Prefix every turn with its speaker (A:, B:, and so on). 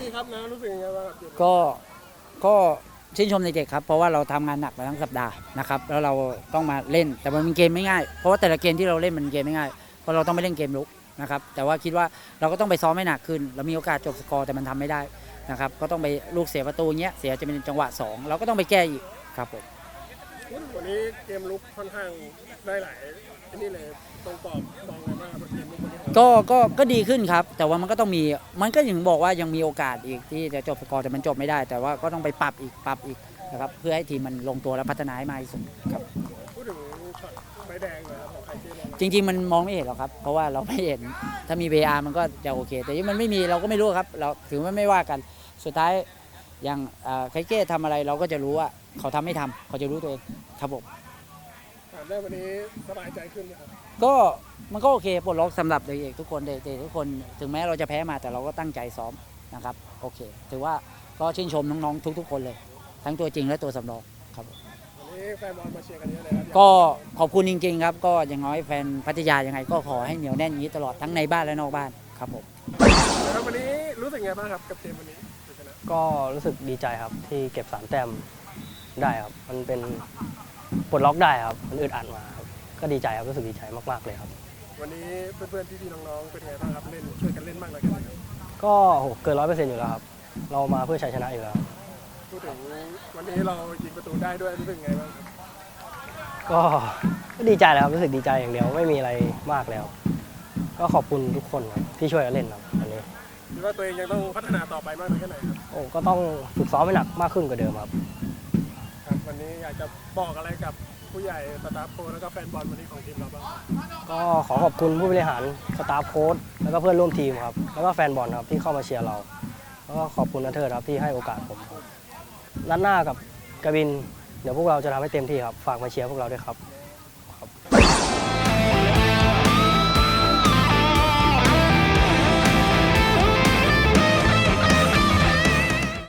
A: ครับนะรู้สึกยังไงบ้างครับ
B: ก็ชื่นชมเด็กๆครับเพราะว่าเราทำงานหนักมาทั้งสัปดาห์นะครับแล้วเราต้องมาเล่นแต่มันเป็นเกมไม่ง่ายเพราะว่าแต่ละเกมที่เราเล่นมันเกมไม่ง่ายเพราะเราต้องไปเล่นเกมลุกนะครับแต่ว่าคิดว่าเราก็ต้องไปซ้อมให้หนักขึ้นเรามีโอกาสจบสกอร์แต่มันทำไม่ได้นะครับก็ต้องไปลูกเสียประตูเงี้ยเสียจะเป็นจังหวะ2เราก็ต้องไปแก้อีกครับผม
A: วันนี้เกมลุกค่อนข้างได้หลายนี่เลยตรงกรอบมองไงบ้างครับเกมลุกวันนี้
B: ก็ดีขึ้นครับแต่ว่ามันก็ต้องมีมันก็ยังบอกว่ายังมีโอกาสอีกที่จะจบสกอร์แต่มันจบไม่ได้แต่ว่าก็ต้องไปปรับอีกนะครับเพื่อให้ทีมมันลงตัวและพัฒนาให้มากที่สุดครับ
A: พูดถึงช็อตใบแดงเลยครับของใครที่ลง
B: จริงๆมันมองไม่เห็นหรอกครับเพราะว่าเราไม่เห็นถ้ามี VR มันก็จะโอเคแต่ยังมันไม่มีเราก็ไม่รู้ครับเราถือว่าไม่ว่ากันสุดท้ายอย่างไคเก้ทำอะไรเราก็จะรู้ว่าเขาทำไม่ทำเขาจะรู้ตัวเองครับผม
A: ได้วันนี้สบายใจขึ้นไหมครับ
B: ก็มันก็โอเคปลดล็อกสำหรับเด็กๆทุกคนเด็กๆทุกคนถึงแม้เราจะแพ้มาแต่เราก็ตั้งใจซ้อมนะครับโอเคถือว่าก็ชื่นชมน้องๆทุกๆคนเลยทั้งตัวจริงและตัวสำรองครับ
A: วันนี้แฟนบอลมาเชียร์กันเยอะเลยครับ
B: ก็ขอบคุณจริงๆครับก็อย่างน้อยแฟนพัทยายังไงก็ขอให้เหนียวแน่นอย่างนี้ตลอดทั้งในบ้านและนอกบ้านครับผม
A: แล้ววันนี้รู้สึกไงบ้างครับกับเกมวันนี้ชนะ
C: ก็รู้สึกดีใจครับที่เก็บ3 แต้มได้ครับมันเป็นปลดล็อกได้ครับมันอึดอัดมาครับก็ดีใจครับรู้สึกดีใจมากๆเลยครับ
A: วันนี้เพื่อนๆพี่ๆน้องๆเป็นไงบ้างครับเล่นช่วยกันเล่นมากเลยครับ
C: ก็เกิน100%อยู่แล้วครับเรามาเพื่อชัยชนะอยู่แล้ว
A: พูดถึงวันนี้เรายิงประตูได้ด้วยรู้สึกไงบ้างครับ
C: ก็ดีใจแล้วครับรู้สึกดีใจอย่างเดียวไม่มีอะไรมากแล้วก็ขอบคุณทุกคนครับที่ช่วยกันเล่นครับวันนี้
A: คิดว่าตัวเองยังต้องพัฒนาต่อไปมากน้อยแค่ไหนครับ
C: ก็ต้องฝึกซ้อมให้หนักมากขึ้นกว่าเดิมครับ
A: ครับวันนี้อยากจะบอกอะไรกับผู้ใหญ่สตาฟโค้ชแล้วก็แฟนบอลวันนี้ของทีมเราบ้าง
C: ก็ขอขอบคุณผู้บริหารสตาฟโค้ชแล้วก็เพื่อนร่วมทีมครับแล้วก็แฟนบอลครับที่เข้ามาเชียร์เราแล้วก็ขอบคุณนัทเทิดครับที่ให้โอกาสผมนัดหน้ากับกบินเดี๋ยวพวกเราจะทำให้เต็มที่ครับฝากมาเชียร์พวกเราด้วยครับ